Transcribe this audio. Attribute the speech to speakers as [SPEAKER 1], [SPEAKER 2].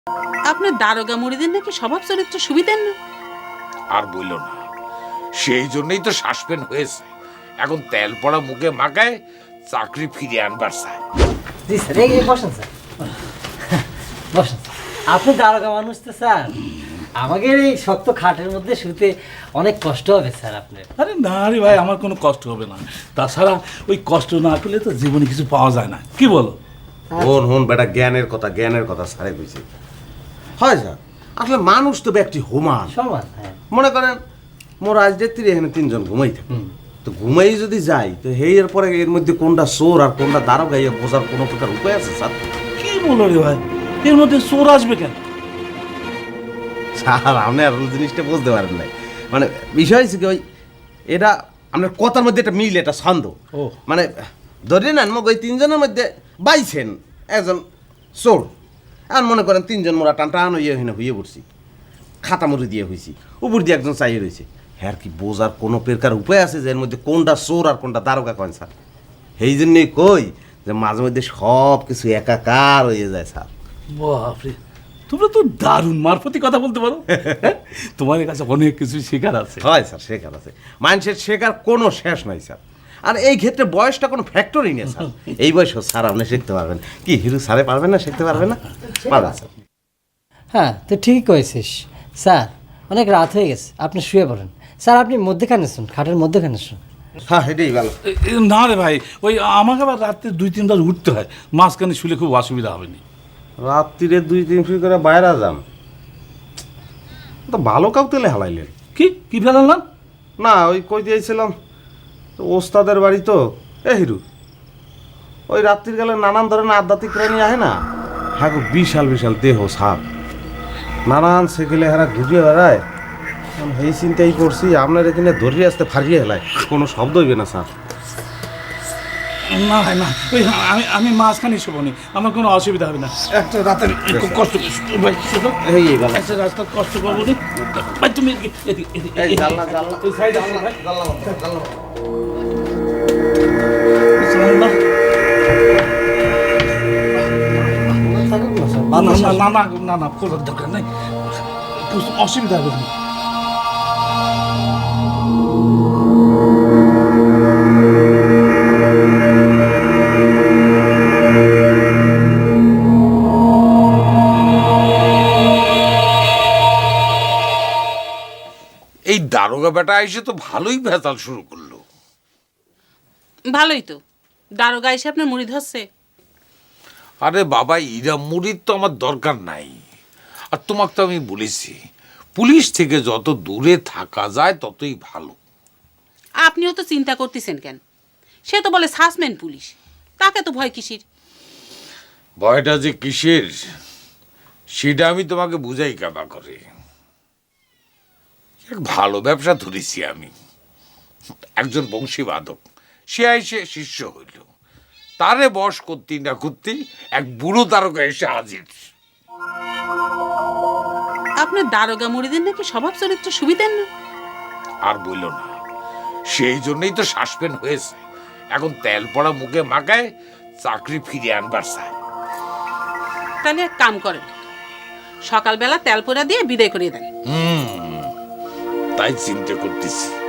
[SPEAKER 1] আপনার দারোগা মুড়িদের নাকি স্বভাব চরিত্র সুবিধের না।
[SPEAKER 2] আর বললো না, সেই জন্যই তো সাসপেন্ড হয়েছে। এখন তেল পড়া মুখে মাখায় চাকরি ফিরিয়ে আনবার চায়।
[SPEAKER 3] জি স্যার, এই বসেন স্যার, বসেন। আপনি দারোগা মানুষ তো স্যার, আমাদের এই শক্ত খাটের মধ্যে শুতে অনেক কষ্ট হবে স্যার আপনার।
[SPEAKER 4] আরে না রে ভাই, আমার কোনো কষ্ট হবে না। তাছাড়া ওই কষ্ট না পেলে তো জীবনে কিছু পাওয়া যায় না, কি বলো?
[SPEAKER 5] হন বেটা, জ্ঞানের কথা সারে কইছে। হয় স্যার, আসলে মানুষ তো ব্যক্তি সমান
[SPEAKER 3] সমান। হ্যাঁ,
[SPEAKER 5] মনে করেন মোর আজ রাত্রি এখানে 3 জন ঘুমাই থাকে, তো ঘুমাই যদি যাই তো এর পরে এর মধ্যে কোনটা চোর আর কোনটা দারোগা ইয়ে বোঝার কোনো প্রকার উপায় আছে স্যার?
[SPEAKER 4] কি বলো রে ভাই, এর মধ্যে চোর আসবে কেন?
[SPEAKER 5] স্যার আপনি আর জিনিসটা বুঝতে পারেন নাই। মানে বিষয় হচ্ছে কি, ওই এটা আপনার কথার মধ্যে একটা মিল, এটা ছন্দ।
[SPEAKER 4] ও।
[SPEAKER 5] মানে ধরে নেন মোক ওই 3 জনের মধ্যে বাইছেন একজন চোর, আর মনে করেন 3 জন মোরা টান টান হইয়ে পড়ছি, খাতা মুড়ি দিয়ে হয়েছি, উপর দিয়ে একজন চাইয়ে রয়েছে। হ্যাঁ, কি বোঝার কোনো প্রকার উপায় আছে যে এর মধ্যে কোনটা চোর আর কোনটা দারোগা করেন স্যার? সেই জন্যই কই যে মাঝে মধ্যে সব কিছু একাকার হয়ে যায় স্যার।
[SPEAKER 4] বাপরে, তোমরা তো দারুণ মারফতি কথা বলতে পারো। তোমার কাছে অনেক কিছু শেখার আছে।
[SPEAKER 5] হয় স্যার, শেখার আছে, মানুষের শেখার কোনো শেষ নাই স্যার। আর এই ক্ষেত্রে বয়সটা কোনো ফ্যাক্টরি নেই স্যার। এই বয়স স্যার আপনি শিখতে পারবেন। কি হিরু স্যারে পারবেন না, শিখতে পারবেন না? পারবেন স্যার।
[SPEAKER 3] হ্যাঁ, তো ঠিকই কয়েছিস স্যার। অনেক রাত হয়ে গেছে, আপনি শুয়ে পড়েন স্যার। আপনি মধ্যেখানে শুন, খাটের মধ্যেখানে শুন।
[SPEAKER 5] হ্যাঁ, এটাই ভালো।
[SPEAKER 4] না রে ভাই, ওই আমাকে আবার রাত্রে 2-3 বার উঠতে হয়, মাঝখানে শুলে খুব অসুবিধা হবে না।
[SPEAKER 5] রাত্রিরে 2-3 ফি করে বাইরে যান, তো ভালো কাউ তেলে হালাইলেন।
[SPEAKER 4] কি ফেলালাম?
[SPEAKER 5] না, ওই কই দিয়েছিলাম তো ওস্তাদের বাড়ি তো। এ হিরু, ওই রাত্রির গেলে নানান ধরনের আধ্যাত্মিক প্রাণী আহে না, হ্যাঁ, বিশাল বিশাল দেহ সাপ, নানান সেকেলে হারা ঘুরিয়ে বেড়ায়। এই চিন্তাই করছি আপনার এখানে ধরিয়ে আসতে ফারিয়ে হেলায়, কোনো শব্দ হইবে না স্যার।
[SPEAKER 4] না ভাই না, ওই আমি মাঝখানে শুবো নি, আমার কোনো অসুবিধা হবে না। একটা রাতের একটু কষ্ট ভাই, শুধু
[SPEAKER 5] এই ভালো।
[SPEAKER 4] একটা রাস্তা কষ্ট পাবো নি ভাই। তুমি
[SPEAKER 5] এই জানলা জানলা
[SPEAKER 4] ওই সাইড আছে ভাই।
[SPEAKER 5] জানলা জানলা
[SPEAKER 4] না খোলার দরকার নেই, অসুবিধা হবে না।
[SPEAKER 2] এই দারোগা বেটা এসে তো ভালোই ভেজাল শুরু করলো।
[SPEAKER 1] ভালোই তো, দারোগা এসে আপনার মুড়ি ধরছে।
[SPEAKER 2] আরে বাবা, ইরা মুড়ির তো আমার দরকার নাই। আর তোমাকে তো আমি বলেছি, পুলিশ থেকে যত দূরে থাকা যায় ততই ভালো।
[SPEAKER 1] আপনিও তো চিন্তা করতেছেন কেন? সে তো বলে সাসপেন্ড পুলিশ, তাকে তো ভয় কিসির?
[SPEAKER 2] ভয়টা যে কিসের সেটা আমি তোমাকে বুঝাই কাবা করে। এক ভালো ব্যবসা ধরেছি আমি। একজন বংশীবাদক সে এসে শিষ্য হইল, তারে বশ করতে না করতেই এক বুড়ো দারোগা এসে হাজির।
[SPEAKER 1] আপনার দারোগা মুড়িদের নাকি স্বভাব চরিত্র সুবিধের না।
[SPEAKER 2] আর বললো না, সেই জন্যই তো সাসপেন্ড হয়েছে। এখন তেল পড়া মুখে মাখায় চাকরি ফিরিয়ে আনবার চায়।
[SPEAKER 1] তাহলে এক কাম করেন, সকালবেলা তেল পোড়া দিয়ে বিদায় করিয়ে দেন।
[SPEAKER 2] তাই চিন্তা করতেছি।